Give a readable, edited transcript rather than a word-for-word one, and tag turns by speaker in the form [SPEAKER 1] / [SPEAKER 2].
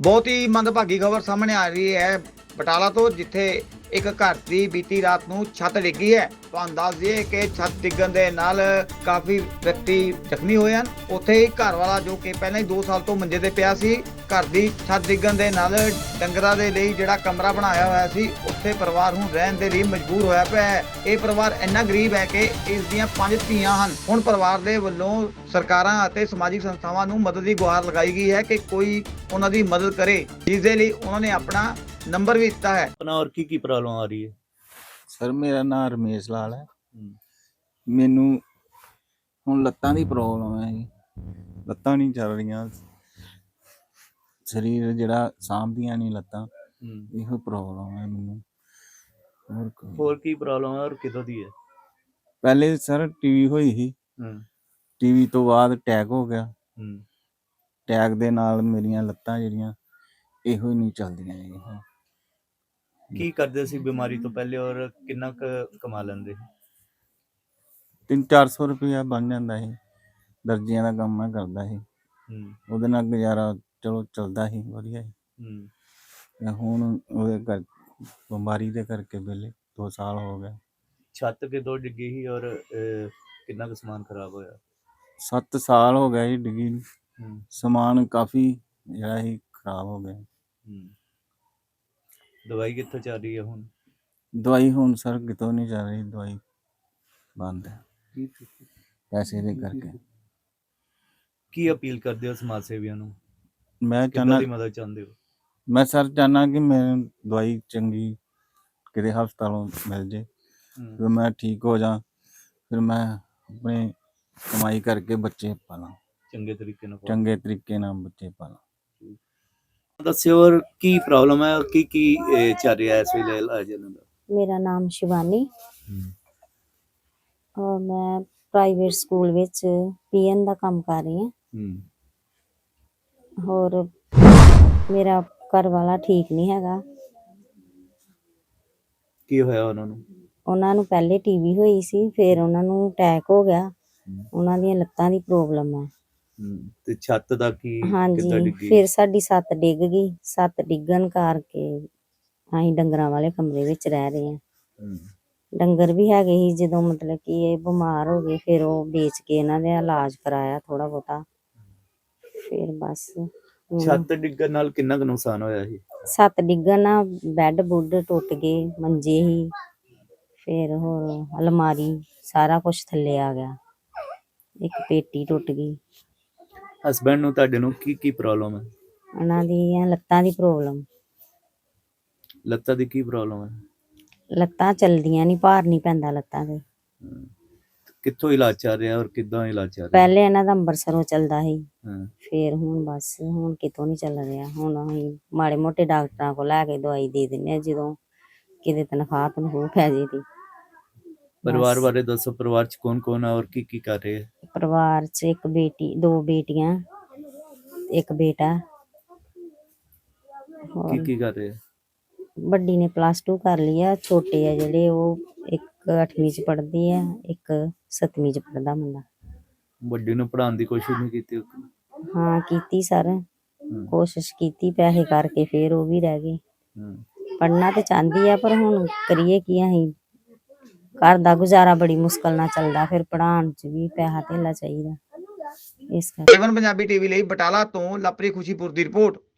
[SPEAKER 1] ਬਹੁਤ ਹੀ ਮੰਦਭਾਗੀ ਖਬਰ ਸਾਹਮਣੇ ਆ ਰਹੀ ਹੈ ਬਟਾਲਾ ਤੋਂ, ਜਿੱਥੇ ਇੱਕ ਘਰ ਦੀ ਬੀਤੀ ਰਾਤ ਨੂੰ ਛੱਤ ਡਿੱਗੀ ਹੈ। ਤੁਹਾਨੂੰ ਦੱਸ ਦਈਏ ਕਿ ਛੱਤ ਡਿੱਗਣ ਦੇ ਨਾਲ ਕਾਫੀ ਵਿਅਕਤੀ ਜ਼ਖਮੀ ਹੋਏ ਹਨ। ਉੱਥੇ ਹੀ ਘਰ ਵਾਲਾ ਜੋ ਕਿ ਪਹਿਲਾਂ ਹੀ 2 ਸਾਲ ਤੋਂ ਮੰਜੇ ਤੇ ਪਿਆ ਸੀ, ਘਰ ਦੀ ਛੱਤ ਡਿੱਗਣ ਦੇ ਨਾਲ ਡੰਗਰਾਂ ਦੇ ਲਈ ਜਿਹੜਾ ਕਮਰਾ ਬਣਾਇਆ ਹੋਇਆ ਸੀ ਉੱਥੇ ਪਰਿਵਾਰ ਹੁਣ ਰਹਿਣ ਦੇ ਲਈ ਮਜਬੂਰ ਹੋਇਆ ਪਿਆ ਹੈ। ਇਹ ਪਰਿਵਾਰ ਇੰਨਾ ਗਰੀਬ ਹੈ ਕਿ ਇਸ ਦੀਆਂ 5 ਧੀਆਂ ਹਨ। ਹੁਣ ਪਰਿਵਾਰ ਦੇ ਵੱਲੋਂ ਸਰਕਾਰਾਂ ਅਤੇ ਸਮਾਜਿਕ ਸੰਸਥਾਵਾਂ ਨੂੰ ਮਦਦ ਦੀ ਗੁਹਾਰ ਲਗਾਈ ਗਈ ਹੈ ਕਿ ਕੋਈ ਉਹਨਾਂ ਦੀ ਮਦਦ ਕਰੇ, ਜਿਸ ਦੇ ਲਈ ਉਹਨਾਂ ਨੇ ਆਪਣਾ ਨੰਬਰ ਵੀ ਦਿੱਤਾ ਹੈ।
[SPEAKER 2] अपना और की प्रॉब्लम आ रही है?
[SPEAKER 3] ਸਰ ਮੇਰਾ ਨਾਮ ਰਮੇਸ਼ ਲਾਲ ਹੈ। ਮੈਨੂੰ ਹੁਣ ਲੱਤਾਂ ਦੀ ਪ੍ਰੋਬਲਮ ਹੈ ਜੀ, ਲੱਤਾਂ ਨਹੀਂ ਚੱਲ ਰਹੀਆਂ, ਸਰੀਰ ਜਿਹੜਾ ਸਾਂਭਦੀਆਂ ਨਹੀਂ ਲੱਤਾਂ, ਇਹੋ ਪ੍ਰੋਬਲਮ ਹੈ ਮੈਨੂੰ।
[SPEAKER 2] और की प्रॉब्लम है और कितों दी है?
[SPEAKER 3] ਪਹਿਲੇ ਸਰ ਟੀਵੀ ਹੋਈ ਸੀ, ਟੀਵੀ ਤੋਂ ਬਾਅਦ ਅਟੈਕ ਹੋ ਗਿਆ। ਅਟੈਕ ਦੇ ਨਾਲ ਮੇਰੀਆਂ ਲੱਤਾਂ ਜਿਹੜੀਆਂ ਇਹੋ ਹੀ ਨਹੀਂ ਚੱਲਦੀਆਂ ਜੀ।
[SPEAKER 2] की करते सी बीमारी तो पहले और कितना कमा लेंदे?
[SPEAKER 3] 300-400 ਰੁਪਇਆ ਬਣ ਜਾਂਦਾ ਸੀ। ਦਰਜੀਆਂ ਦਾ ਕੰਮ ਮੈਂ ਕਰਦਾ ਸੀ, ਉਹਦੇ ਨਾਲ ਗੁਜ਼ਾਰਾ ਚਲੋ ਚੱਲਦਾ ਸੀ ਵਧੀਆ ਸੀ। ਤੇ ਹੁਣ ਉਹਦੇ ਕਰ ਬਿਮਾਰੀ ਦੇ ਕਰਕੇ ਵਿਹਲੇ 2 ਸਾਲ ਹੋ ਗਏ।
[SPEAKER 2] छत कितों डिगी ही और कितना का समान खराब होया?
[SPEAKER 3] 7 ਸਾਲ ਹੋ ਗਏ ਜੀ ਡਿੱਗੀ ਨੂੰ। ਸਮਾਨ ਕਾਫੀ ਜਿਹੜਾ ਸੀ ਖਰਾਬ ਹੋ ਗਿਆ।
[SPEAKER 2] दवाई कितों चल रही है हुण?
[SPEAKER 3] ਦਵਾਈ ਹੁਣ ਸਰ ਕਿਤੋਂ ਨਹੀਂ ਚੱਲ ਰਹੀ, ਦਵਾਈ ਬੰਦ ਹੈ ਪੈਸੇ ਦੇ ਕਰਕੇ।
[SPEAKER 2] की अपील करते हो समाज सेवियों ਨੂੰ?
[SPEAKER 3] ਮੈਂ
[SPEAKER 2] ਕਿੱਦਾਂ
[SPEAKER 3] ਚਾਹੁੰਦਾ
[SPEAKER 2] ਦੀ ਮਦਦ ਚਾਹੁੰਦੇ ਹੋ?
[SPEAKER 3] ਮੈਂ ਸਰ ਚਾਹੁੰਦਾ ਕਿ ਮੈਨੂੰ ਦਵਾਈ ਚੰਗੀ ਕਿਤੇ ਹਸਪਤਾਲੋਂ ਮਿਲ ਜੇ, ਫਿਰ ਮੈਂ ਠੀਕ ਹੋ ਜਾ, ਫਿਰ ਮੈਂ ਆਪਣੇ ਕਮਾਈ ਕਰਕੇ ਬੱਚੇ ਪਾਲਾਂ,
[SPEAKER 2] ਚੰਗੇ ਤਰੀਕੇ ਨਾਲ
[SPEAKER 3] ਚੰਗੇ ਤਰੀਕੇ ਨਾਲ ਬੱਚੇ ਪਾਲਾਂ।
[SPEAKER 2] ਦੱਸਿਓ ਔਰ ਕੀ ਪ੍ਰੋਬਲਮ ਹੈ ਔਰ ਕੀ ਚੱਲ ਰਿਹਾ ਇਸ ਵੇਲੇ ਇਲਾਜ ਇਹਨਾਂ ਦਾ?
[SPEAKER 4] ਮੇਰਾ ਨਾਮ ਸ਼ਿਵਾਨੀ ਔਰ ਮੈਂ ਪ੍ਰਾਈਵੇਟ ਸਕੂਲ ਵਿੱਚ ਪੀਐਨ ਦਾ ਕੰਮ ਕਰ ਰਹੀ ਹਾਂ। ਹੋਰ ਮੇਰਾ ਘਰ ਵਾਲਾ ਠੀਕ ਨਹੀਂ ਹੈਗਾ।
[SPEAKER 2] ਕੀ ਹੋਇਆ ਉਹਨਾਂ ਨੂੰ?
[SPEAKER 4] ਉਹਨਾਂ ਨੂੰ ਪਹਿਲੇ ਟੀਵੀ ਹੋਈ ਸੀ, ਫਿਰ ਉਹਨਾਂ ਨੂੰ ਅਟੈਕ ਹੋ ਗਿਆ। ਉਹਨਾਂ ਦੀਆਂ ਲੱਤਾਂ ਦੀ ਪ੍ਰੋਬਲਮ ਹੈ।
[SPEAKER 2] ਤੇ ਛੱਤ ਦਾ ਕੀ ਕਿੱਦਾਂ
[SPEAKER 4] ਹਾਂਜੀ,
[SPEAKER 2] ਡਿੱਗੀ?
[SPEAKER 4] ਫਿਰ ਸਾਡੀ ਛੱਤ ਡਿੱਗ ਗਈ। ਛੱਤ ਡਿੱਗਣ ਕਰਕੇ ਅਸੀਂ ਡੰਗਰਾਂ ਵਾਲੇ ਕਮਰੇ ਵਿੱਚ ਰਹਿ ਰਹੇ ਹਾਂ। ਡੰਗਰ ਵੀ ਹੈਗੇ ਸੀ, ਜਦੋਂ ਮਤਲਬ ਕਿ ਇਹ ਬਿਮਾਰ ਹੋ ਗਏ ਫਿਰ ਉਹ ਵੇਚ ਕੇ ਇਹਨਾਂ ਦਾ ਇਲਾਜ ਕਰਾਇਆ ਥੋੜਾ ਬਹੁਤਾ, ਫਿਰ ਬਸ।
[SPEAKER 2] ਛੱਤ ਡਿੱਗਣ ਨਾਲ ਕਿੰਨਾ ਕੁ ਨੁਕਸਾਨ ਹੋਇਆ ਸੀ?
[SPEAKER 4] ਛੱਤ ਡਿੱਗਣ ਨਾਲ ਬੈੱਡ ਬੁੱਡ ਟੁੱਟ ਗਏ, ਮੰਜੇ ਹੀ, ਫਿਰ ਹੋਰ ਅਲਮਾਰੀ ਸਾਰਾ ਕੁਝ ਥੱਲੇ ਆ ਗਿਆ, ਇੱਕ ਪੇਟੀ ਟੁੱਟ ਗਈ।
[SPEAKER 2] ਹਸਬੈਂਡ ਨੂੰ ਤੁਹਾਡੇ ਨੂੰ ਕੀ ਪ੍ਰੋਬਲਮ ਹੈ?
[SPEAKER 4] ਉਹਨਾਂ ਦੀਆਂ ਲੱਤਾਂ ਦੀ ਪ੍ਰੋਬਲਮ।
[SPEAKER 2] ਲੱਤਾਂ ਦੀ ਕੀ ਪ੍ਰੋਬਲਮ ਹੈ?
[SPEAKER 4] ਲੱਤਾਂ ਚੱਲਦੀਆਂ ਨਹੀਂ, ਭਾਰ ਨਹੀਂ ਪੈਂਦਾ ਲੱਤਾਂ ਤੇ।
[SPEAKER 2] ਕਿੱਥੋਂ ਇਲਾਜ ਚੱਲ ਰਿਹਾ ਔਰ ਕਿੱਦਾਂ ਇਲਾਜ ਚੱਲ ਰਿਹਾ?
[SPEAKER 4] ਪਹਿਲੇ ਇਹਨਾਂ ਦਾ ਅੰਬਰਸਰੋਂ ਚੱਲਦਾ ਸੀ,
[SPEAKER 2] ਹਾਂ।
[SPEAKER 4] ਫਿਰ ਹੁਣ ਬਸ ਹੁਣ ਕਿਤੋਂ ਨਹੀਂ ਚੱਲ ਰਿਹਾ। ਹੁਣ ਅਸੀਂ ਮਾੜੇ ਮੋਟੇ ਡਾਕਟਰਾਂ ਕੋਲ ਲੈ ਕੇ ਦਵਾਈ ਦੇ ਦਿੰਦੇ ਹਾਂ ਜਦੋਂ ਕਿਤੇ ਤਨਖਾਹ ਪੈ ਜੇ ਦੀ।
[SPEAKER 2] ਪਰਿਵਾਰ ਬਾਰੇ ਦੱਸੋ, ਪਰਿਵਾਰ ਚ ਕੌਣ ਕੌਣ ਹੈ ਔਰ ਕੀ ਕਰ ਰਹੇ ਹੈ?
[SPEAKER 4] ਪਰਿਵਾਰ 'ਚ ਇੱਕ ਬੇਟੀ, 2 ਬੇਟੀਆਂ, ਇੱਕ ਬੇਟਾ।
[SPEAKER 2] ਕੀ ਕਰ ਰਹੇ ਹੈ?
[SPEAKER 4] ਵੱਡੀ ਨੇ +2 ਕਰ ਲਈ ਆ, ਛੋਟੇ ਆ ਜਿਹੜੇ ਉਹ ਇੱਕ 8ਵੀਂ 'ਚ ਪੜ੍ਹਦੀ ਆ, ਇੱਕ 7ਵੀਂ 'ਚ ਪੜ੍ਹਦਾ ਮੁੰਡਾ।
[SPEAKER 2] ਵੱਡੀ ਨੂੰ ਪੜ੍ਹਾਉਣ ਦੀ ਕੋਸ਼ਿਸ਼ ਨਹੀਂ ਕੀਤੀ?
[SPEAKER 4] ਹਾਂ ਕੀਤੀ ਸਰ, ਕੋਸ਼ਿਸ਼ ਕੀਤੀ, ਪੈਸੇ ਕਰਕੇ ਫਿਰ ਉਹ ਵੀ ਰਹਿ ਗਏ। ਪੜ੍ਹਨਾ ਤੇ ਚਾਹੁੰਦੀ ਆ ਪਰ ਹੁਣ ਕਰੀਏ ਕੀ, ਅਸੀਂ ਘਰ ਦਾ ਗੁਜ਼ਾਰਾ ਬੜੀ ਮੁਸ਼ਕਲ ਨਾਲ ਚੱਲਦਾ, ਫਿਰ ਪੜ੍ਹਾਉਣ 'ਚ ਵੀ ਪੈਸਾ ਧੇਲਾ ਚਾਹੀਦਾ, ਇਸ ਕਰਕੇ।
[SPEAKER 1] A1 ਪੰਜਾਬੀ ਟੀਵੀ ਲਈ ਬਟਾਲਾ ਤੋਂ ਲਵਪ੍ਰੀਤ ਖੁਸ਼ੀਪੁਰ ਦੀ ਰਿਪੋਰਟ।